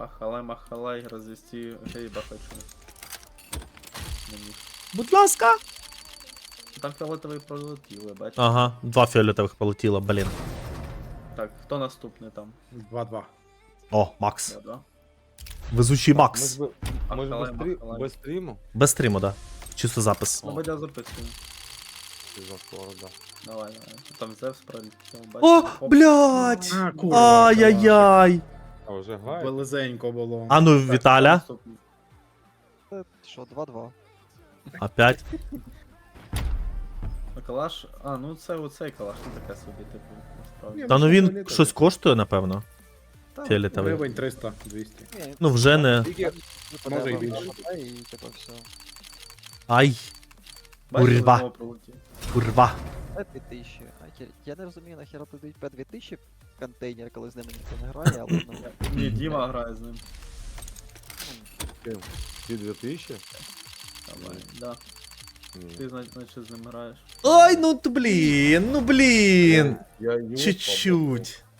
Ахалай-махалай, развести гейба хочу. Мені. Будь ласка. Там фіолетовий пролетіли, бачиш? Ага, 2 фіолетових полетіло, блін. Так, хто наступний там? 2-2. О, Макс. Да? Везучий Ми Макс. ж, ми ж Махалай. без стріму. Без стріму, да. Чисто запис. Ну, Бодя записує. Ти за скоро, да. Давай. Там Зевс пролетів, бачиш? О, Оп. блядь! А, курва. Ай-яй-яй! А вже грає? Велизенько було. А ну, Так, Віталя. хто наступний? Що, 2-2. Опять. Калаш? А, ну це оцей калаш, не таке собі, типу, насправді. Та ну він щось коштує, напевно. Та, Фіолетовий. Гривень 300, 200. Ні, Ну вже не. Тільки може і більше. І типу все. Ай, бачиш, Курва. знову пролетів. курва. П2000. Я не розумію, нахера туди П2000 контейнер, коли з ними ніхто не грає, але ну. Ні, Діма грає з ним. Ті 2000? Давай, да. Ні. Ти, значить, з ним граєш. Ой, ну блін, ну блін. Я йому Чуть-чуть.